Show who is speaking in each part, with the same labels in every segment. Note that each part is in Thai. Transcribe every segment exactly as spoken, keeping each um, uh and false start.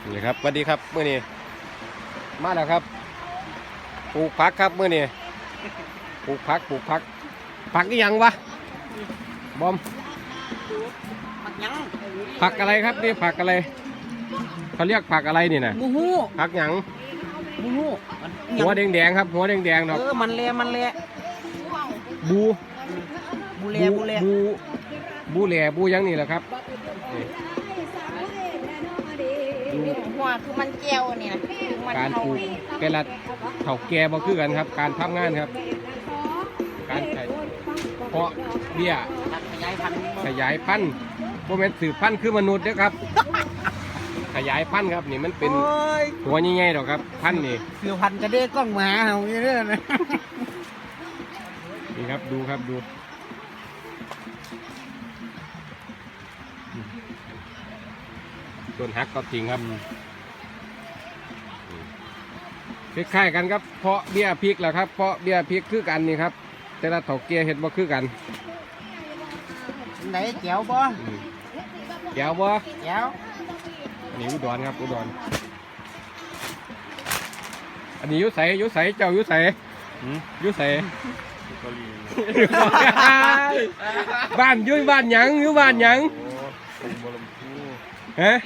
Speaker 1: นี่ครับสวัสดีครับเมื่อนี้มาแล้วครับปลูกผักครับเมื่อนี้ปลูกผักปลูกผักผักนี่ยังวะบอม
Speaker 2: ผักยัง
Speaker 1: ผักอะไรครับนี่ผักอะไรเขาเรียกผักอะไรนี่นะ
Speaker 2: มูฮู
Speaker 1: ผักหยัง
Speaker 2: มูฮู
Speaker 1: หัวแดงๆครับหัวแดงๆดอก
Speaker 2: เออมันเละมันเละ
Speaker 1: บู
Speaker 2: บูเละบูเละ
Speaker 1: บูบูแหล่บูหยังนี่แหละครับนี่
Speaker 2: หัวคือมันเจียวนี่นะมัน
Speaker 1: การปลูกแต่ละเถาแก่บ่คือกันครับ การทำงานครับ การเพาะเบี้ย
Speaker 2: ขยายพันธุ์
Speaker 1: ขยายพันธุ์โมเมนต์สืบพันธุ์คือมนุษย์นะครับ ขยายพันธุ์ครับนี่มันเป็น
Speaker 2: โอ้ย
Speaker 1: หัวใหญ่ๆหรอกครับพันธุ์นี่
Speaker 2: สือพันธุ์กระเด้กล้องหมาเฮาอย่างนี้นะ
Speaker 1: นี่ครับดูครับดูต้นฮักก็จริงครับคล้ายๆกันครับเพาะเบี้ยพริกแหละครับเพาะเบี้ยพริกคือกันนี่ครับแต่ละเถาเกียเห็ดบ่คือกัน
Speaker 2: ไหนเจียวบ่
Speaker 1: อืมเดี๋ยวบ่
Speaker 2: เจียว
Speaker 1: อันนี้อุดรครับอุดรอันนี้อยุใสอยุใสเจ้าอยุใสอยุใสบ้านอยุบ้านหยังอยุบ้านหยังฮะ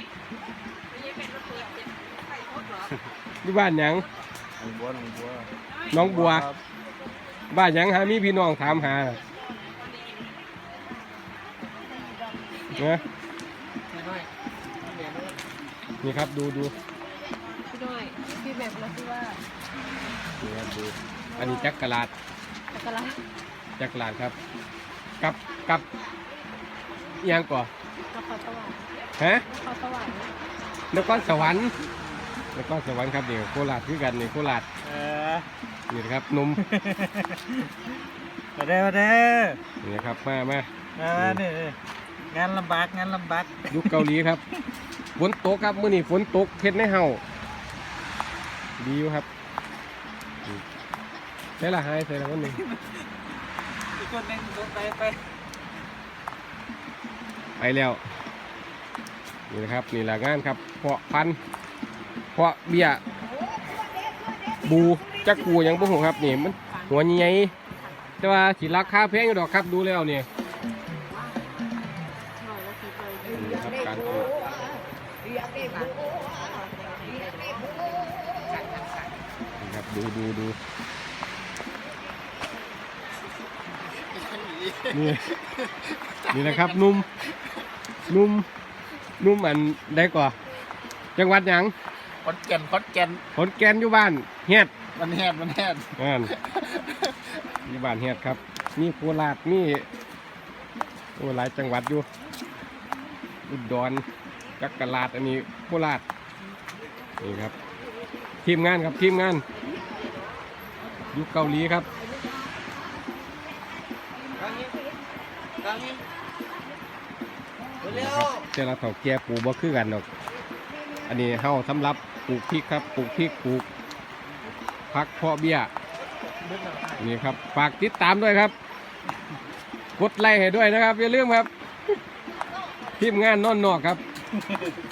Speaker 1: อยุบ้านหยังน้องบัวบ้านหยังหามีพี่น้องถามหานะนี่ครับดูดู
Speaker 3: พี่ด้วยพี่แบบแล้วที่ว่า
Speaker 1: นี่ครับดูอันนี้จักรลาด
Speaker 3: จักรละ
Speaker 1: จักรลาดครับ กับกับอิหยังก่อน
Speaker 3: กระเพาะสวรรค์
Speaker 1: ฮะ
Speaker 3: กระเพาะสวรรค์
Speaker 1: นครสวรรค์นครสวรรค์ครับนี่โคราชคือกันนี่โคราช
Speaker 2: เออ
Speaker 1: นี่นะครับหนุ่ม
Speaker 2: มาเด้อมาเด้อ
Speaker 1: นี่นะครับมามา
Speaker 2: มาเนี่ยงานลำบากงานลำบาก
Speaker 1: ยุคเกาหลีครับฝนตกครับมื้อนี้ฝนตกเฮ็ดในเฮาดีอยู่ครับใช่ละหายใช่ละวันหนึ่ง
Speaker 2: อีกคนหนึงไปไป
Speaker 1: ไปแล้วนี่นะครับนี่แหละงานครับเพาะพันธุ์เพาะเบี้ยบูจักปูหยังบ่ฮู้ครับนี่มันหัวใหญ่แต่ว่าสิราคาแพงอยู่ดอกครับดูแล้วนี่นี่ครับการปลูกนี่ครับดูดูดูนี่นี่นะครับนุ่มนุ่มนุ่มอันได้กว่าจังหวัดหยัง
Speaker 2: ขอนแก่นขอนแก่น
Speaker 1: ขอนแก่นอยู่บ้านเฮ็ด
Speaker 2: มันแฮดมันแฮด
Speaker 1: อ่านอยู่บ้านเฮ็ดครับมีโคราชมีโอ้หลายจังหวัดอยู่อุดรจักรลาดอันนี้โคราชนี่ครับทีมงานครับทีมงานอยู่เกาหลีครับนี่ครับแต่ละเถาแก่ปลูกบ่คือกันดอกอันนี้เฮาสำหรับปลูกพริกครับปลูกพริกปลูกผักเพาะเบี้ยนี่ครับฝากติดตามด้วยครับกดไลค์ให้ด้วยนะครับอย่าลืมครับทีมงานนอนนอกครับ